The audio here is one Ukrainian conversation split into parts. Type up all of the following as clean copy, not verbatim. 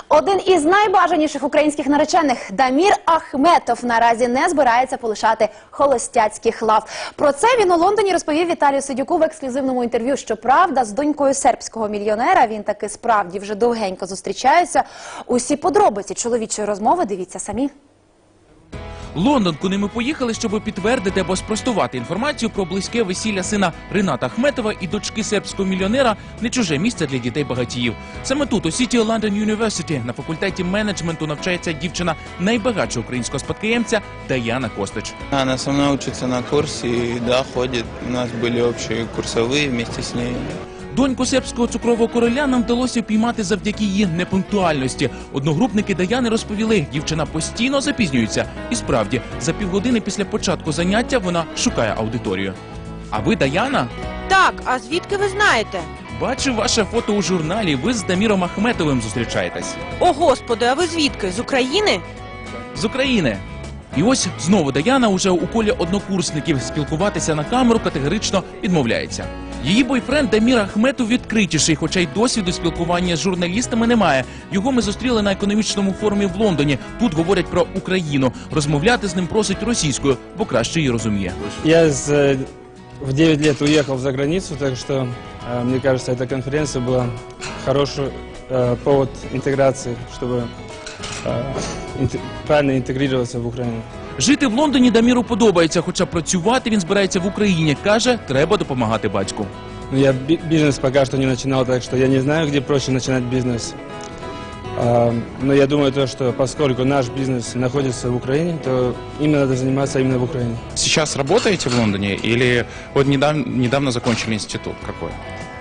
Один із найбажаніших українських наречених Дамір Ахметов наразі не збирається полишати холостяцьких лав. Про це він у Лондоні розповів Віталію Сидюку в ексклюзивному інтерв'ю. Щоправда, з донькою сербського мільйонера він таки справді вже довгенько зустрічається. Усі подробиці чоловічої розмови дивіться самі. Лондон, куди ми поїхали, щоб підтвердити або спростувати інформацію про близьке весілля сина Рината Ахметова і дочки сербського мільйонера, не чуже місце для дітей-багатіїв. Саме тут, у City London University, на факультеті менеджменту навчається дівчина найбагатшого українського спадкоємця Даяна Костич. Она со мной учится на курсе, и да, ходит. У нас были общие курсовые вместе с ней. Доньку сербського цукрового короля нам вдалося піймати завдяки її непунктуальності. Одногрупники Даяни розповіли, дівчина постійно запізнюється. І справді, за півгодини після початку заняття вона шукає аудиторію. А ви Даяна? Так, а звідки ви знаєте? Бачив ваше фото у журналі, ви з Даміром Ахметовим зустрічаєтесь. О, Господи, а ви звідки? З України? З України. І ось знову Даяна уже у колі однокурсників спілкуватися на камеру категорично відмовляється. Її бойфренд Дамір Ахметов відкритіший, хоча й досвіду спілкування з журналістами немає. Його ми зустріли на економічному форумі в Лондоні. Тут говорять про Україну. Розмовляти з ним просить російською, бо краще її розуміє. Я в 9 лет уехал за границу, так что, мне кажется, эта конференция была хороший повод интеграции, чтобы правильно интегрироваться в Украину. Жити в Лондоні Даміру подобається, хоча працювати він збирається в Україні. Каже, треба допомагати батьку. Я бизнес пока что не начинал, так что я не знаю, где проще начинать бизнес. Но я думаю, что поскольку наш бизнес находится в Украине, то им надо заниматься именно в Украине. Сейчас работаете в Лондоне или вот недавно закончили институт какой?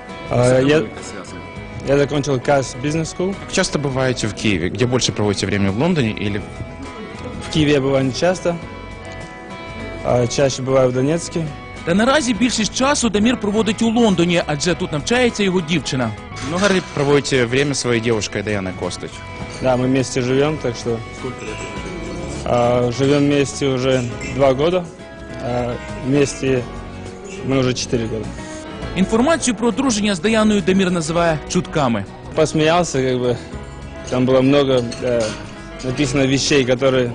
Я закончил CAS Business School. Как часто бываете в Киеве? Где больше проводите время, в Лондоне или... В Киеве я бываю не часто, чаще бываю в Донецке. Та наразі більшість часу Дамір проводить у Лондоні, адже тут навчається його дівчина. Много ли проводите время с своей девушкой Даяной Костич? Да, мы вместе живем, так что... Сколько лет? Живем вместе уже 2 года, вместе мы уже 4 года. Інформацію про одруження з Даяною Дамір називає чутками. Посмеялся, как бы, там было много написано вещей, которые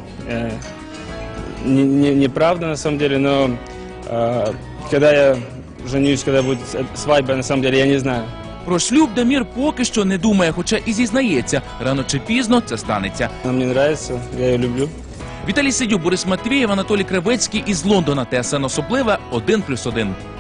неправда на самом деле, но когда я женюсь, когда будет свадьба, на самом деле, я не знаю. Про шлюб Дамір поки що не думає, хоча і зізнається, рано чи пізно це станеться. Она мне нравится, я ее люблю. Віталій Сидюк, Борис Матвієв, Анатолій Кривецький із Лондона. ТСН Особливе 1+1.